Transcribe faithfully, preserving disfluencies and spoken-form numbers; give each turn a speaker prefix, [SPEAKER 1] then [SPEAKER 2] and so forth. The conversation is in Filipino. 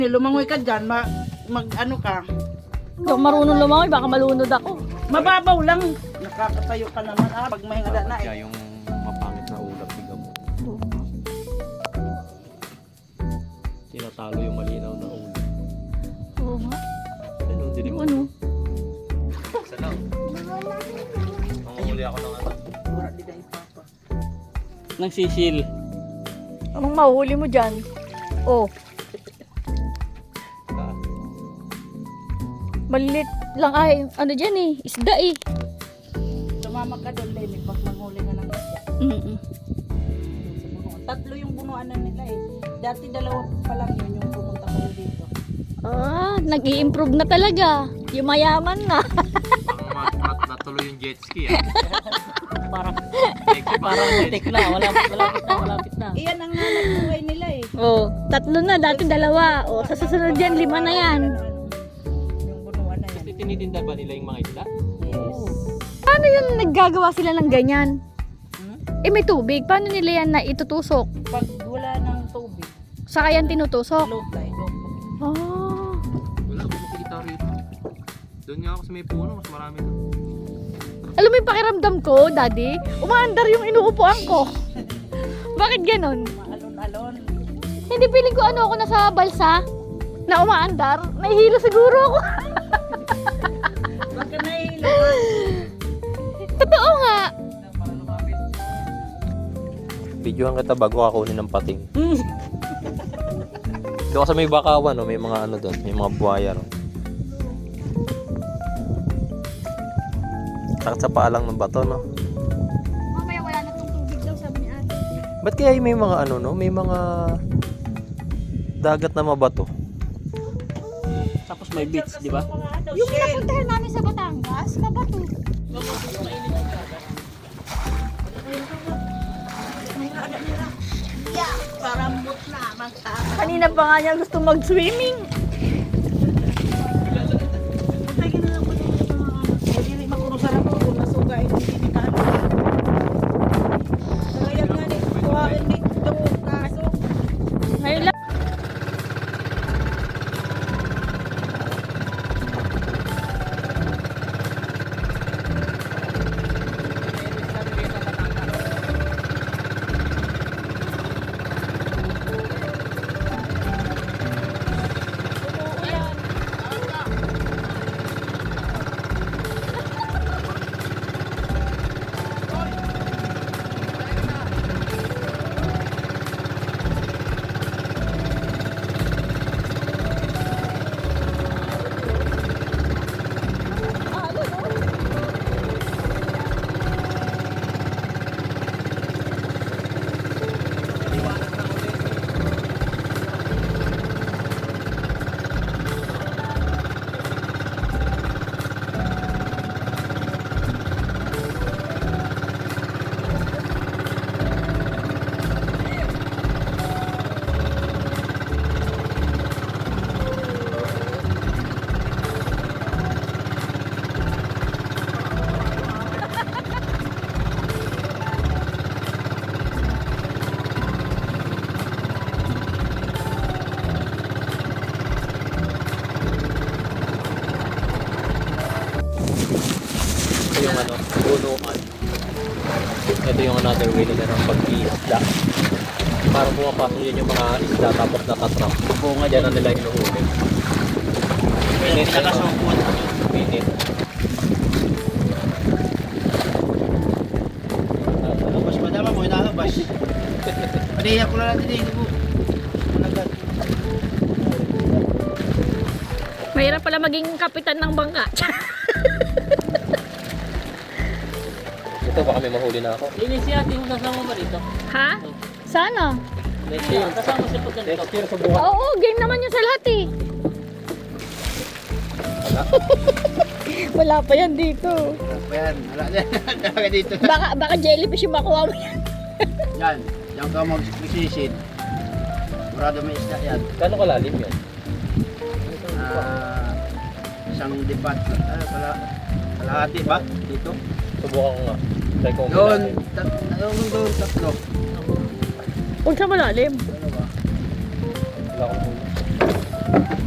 [SPEAKER 1] Lumangoy ka dyan, ma mag ano ka.
[SPEAKER 2] Hindi ako marunong lumangoy, baka malunod ako.
[SPEAKER 1] Mababaw lang. Nakakatayo ka naman ah, pag may hangada na
[SPEAKER 3] Kaya
[SPEAKER 1] eh.
[SPEAKER 3] yung mapangit na ulap, tignan mo. Tinatalo yung malinaw na ulap.
[SPEAKER 2] Oo nga.
[SPEAKER 3] Ano, dilim mo.
[SPEAKER 2] Ano?
[SPEAKER 3] Isa lang. Manguli ako ng ano.
[SPEAKER 1] Wala di na ipapa.
[SPEAKER 3] Nang sisil.
[SPEAKER 2] Anong mahuli mo dyan? Oh, malilit lang ay, ano dyan eh, isda eh.
[SPEAKER 1] Sumama ka doon, Lenny, pag manghuli ka ng isda.
[SPEAKER 2] Mm-mm.
[SPEAKER 1] Sa bunuan. Tatlo yung bunuan na nila eh. Dati dalawa pa lang yun yung pumunta kayo dito.
[SPEAKER 2] Ah, nag-i-improve na talaga. Yung mayaman na.
[SPEAKER 3] Parang mat, mat, natuloy yung jet ski ah.
[SPEAKER 4] Parang
[SPEAKER 3] Parang
[SPEAKER 4] tek na, wala, malapit na, malapit na.
[SPEAKER 1] Iyan ang hanap buhay nila eh.
[SPEAKER 2] Oh, tatlo na, dati dalawa. Oh, sa susunod yan, lima na yan.
[SPEAKER 1] Yung bunuan na yan.
[SPEAKER 3] Kasi tinitinda ba nila yung mga isda?
[SPEAKER 1] Yes.
[SPEAKER 2] Paano yun naggagawa sila ng ganyan?
[SPEAKER 1] Hmm?
[SPEAKER 2] Eh may tubig, paano nila yan na itutusok?
[SPEAKER 1] Pag wala ng tubig,
[SPEAKER 2] Saka yan tinutusok?
[SPEAKER 1] low tide, low tide.
[SPEAKER 2] Oh.
[SPEAKER 3] Wala akong makikita rito. Doon nga ako sa may puno, mas marami na.
[SPEAKER 2] Alam mo yung pakiramdam ko, daddy? Umaandar yung inuupuan ko. Bakit ganon?
[SPEAKER 1] Maalon-alon.
[SPEAKER 2] Hindi feeling ko ano ako nasa balsa na umaandar. Nahihilo siguro ako.
[SPEAKER 1] Baka nahihilo ka.
[SPEAKER 2] Totoo nga.
[SPEAKER 3] Videohan kita bago ako kunin ng pating. Doon sa may bakawan, no? May mga ano doon, may mga buhaya. No? Sakit sa paalang ng bato, no?
[SPEAKER 2] Mamaya wala na tong tubig daw, sabi ni ate.
[SPEAKER 3] Ba't kaya may mga ano, no? May mga dagat na mabato.
[SPEAKER 4] Tapos may beach, di ba?
[SPEAKER 2] Yung napuntahan namin sa Batangas, mabato.
[SPEAKER 1] Yeah, parambot na. Magta.
[SPEAKER 2] Kanina pa nga niya gusto mag-swimming.
[SPEAKER 1] Pagkagin na lang po dito mga hindi makurusarap po kung nasugay hindi ni ka. Kaya nga ni kuhain dito kaso.
[SPEAKER 2] Ngayon lang.
[SPEAKER 3] Ito yung ano, bunuan. Ito yung another way nila ng pag-iisda. Parang pumapasok yun yung mga isda tapos natatrap. Bunga dyan ang nila inuhuli. Minit.
[SPEAKER 4] Nakasukot.
[SPEAKER 3] Minit.
[SPEAKER 4] Labas madama mo, inalabas. Paniyak ko na lang din, hindi mo. Managat.
[SPEAKER 2] Mahirap pala maging kapitan ng bangka.
[SPEAKER 3] Ito baka may mahuli na ako.
[SPEAKER 4] Ini si ate mo kasama ba dito?
[SPEAKER 2] Ha? Sana.
[SPEAKER 3] Next year.
[SPEAKER 4] Kasama siya pag ganito.
[SPEAKER 3] Next year subukan.
[SPEAKER 2] Oo, game naman yun sa lahat eh.
[SPEAKER 3] Wala.
[SPEAKER 2] Wala pa yan dito.
[SPEAKER 4] Ayan, wala na. Wala dito.
[SPEAKER 2] Baka, baka jellyfish yung makuha mo yan.
[SPEAKER 4] Yan, yan ka mag-sisisid. Murado may isda yan.
[SPEAKER 3] Gano'ng kalalim yun?
[SPEAKER 4] Ah, isang dipat. Ah, pala, kalahati ba? Dito?
[SPEAKER 3] Subukan ko nga. Try ko
[SPEAKER 4] Doon,
[SPEAKER 3] umilalim.
[SPEAKER 4] tat, doon, doon, tatlo.
[SPEAKER 2] Huwag sa malalim.
[SPEAKER 4] Ano ba?
[SPEAKER 3] Wala akong huli. Yan.